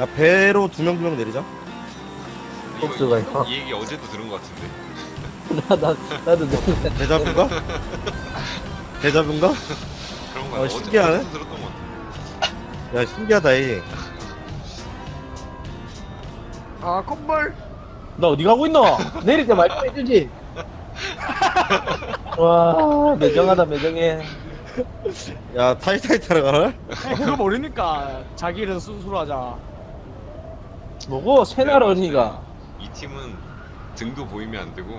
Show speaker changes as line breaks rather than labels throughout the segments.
야, 배로 두 명 내리자.
복수가 있어.
이 얘기 어제도 들은 것 같은데.
나도 너무
대자뷰인가? 대자뷰인가?
그런 거
신기하네.
어제도 들었던 것 같아.
야, 신기하다, 이.
아 콧물.
너 어디 가고 있노? 내릴 때 말좀 해주지. 와 매정하다 매정해.
야, 타이타이 타러 가라?
그거 모르니까 자기 이름 스스로 하자.
뭐고 새날 언니가.
이 팀은 등도 보이면 안 되고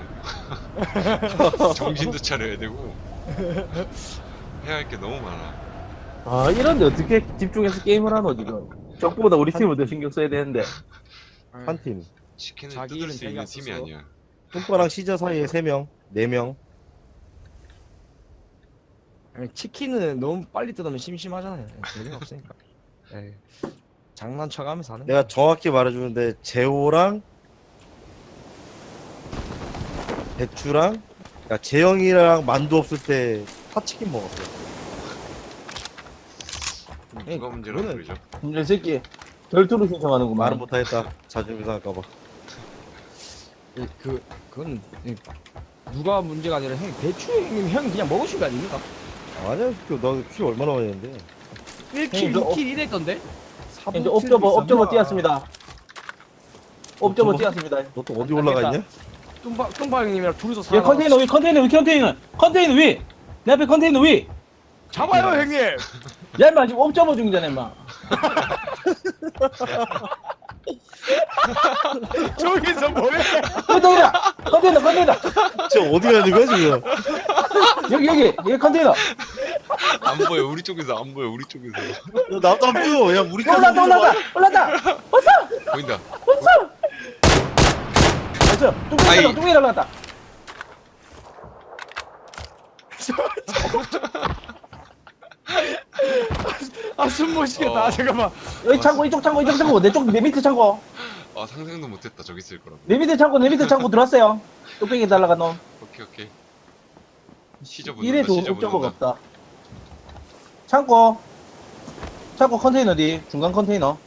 정신도 차려야 되고 해야 할 게 너무 많아.
아 이런데 어떻게 집중해서 게임을 하노 지금. 적보다 우리 팀을 더 신경 써야 되는데.
한 팀.
치킨을
자기
뜯을
일은
수
자기가
있는 팀이
스스로.
아니야.
뚱바랑 시저 사이에 3명, 4명.
아니, 치킨은 너무 빨리 뜯으면 심심하잖아요. 재미가 없으니까. 에이, 장난쳐가면서 하는.
내가 정확히 말해주는데, 재호랑, 배추랑, 야, 재영이랑 만두 없을 때 파치킨 먹었어.
누가 문제라고
그거는-
그러죠?
이 새끼 결투를 신청하는구만.
말은 못하겠다. 자존심 상할까봐.
그건 누가 문제가 아니라 형 배추 형님 형 그냥 먹으신 거 아닙니까?
아니야, 너키 얼마나 많이 했는데?
1킬,
형님, 저
2킬 이랬던데?
이제 옵저버 뛰었습니다. 옵저버 뛰었습니다.
너 또 어디 올라가 있냐?
뚱바 형님이랑 둘이서
얘
살아.
컨테이너 위 컨테이너 위. 내 앞에 컨테이너 위.
잡아요 형님.
야 인마 지금 옵저버 중이잖아 인마.
저기서 뭐해?
컨테이너
지금 어디 가는 거야, 지금?
여기 컨테이너.
안 보여. 우리 쪽에서 안 보여. 우리 쪽에서
야, 나도 안 보여. 야, 우리까지
올라다
보인다.
됐어.
아이.
뚱이 날라갔다.
아 숨 못 쉬겠다.
어.
잠깐만.
여기 창고 이쪽 창고 내 밑에 창고
아 상상도 못했다. 저기 있을 거라고.
내 밑에 창고 들어왔어요. 뚝배기 날라간 놈.
오케이. 시저
이래
붙는다.
좋은
시저
옵저버가
붙는다.
없다. 창고 컨테이너 뒤 중간 컨테이너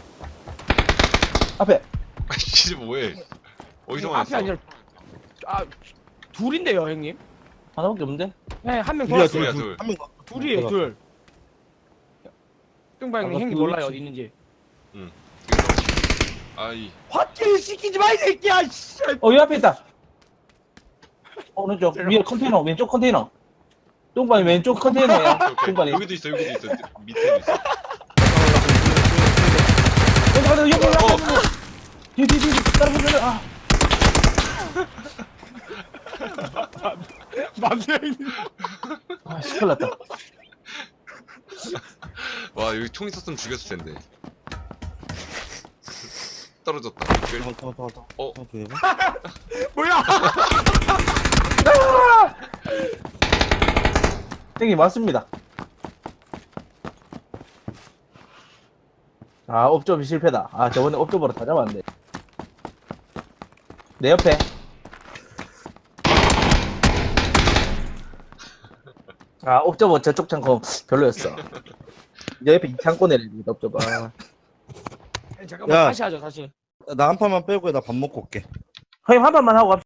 앞에.
시저 뭐해? 어디서
앞이
만났어?
아니라 아 둘인데요 형님.
하나밖에 없는데?
네, 한 명
둘이야,
돌았어요.
둘.
한명
둘이에요, 둘. 뚱바 형님
아까
형님
둘
몰라요
치-
어디 있는지.
응. 아이.
화킬 시키지 마 이 새끼야. 씨.
이 앞에 있다. 오른쪽 위에 컨테이너 왼쪽 컨테이너. 뚱반이 왼쪽 컨테이너야.
오케이.
뚱반이.
여기도 있어. 밑에도 있어.
여기 뒤 따라 보면 아.
맞네 형님.
아 시끄럽다.
와 여기 총 있었으면 죽였을 텐데. 떨어졌다. 어?
뭐야?
형님 맞습니다. 아 옵저버 실패다. 아 저번에 옵저버로 다 잡았는데. 내 옆에. 아 옵저버 저쪽 창고 별로였어. 내 옆에 이 창고 내리지 옵저버. 아.
잠깐만
야.
다시 하죠 다시.
나 한 판만 빼고 나 밥 먹고 올게.
형님 한 판만 하고 갑시다.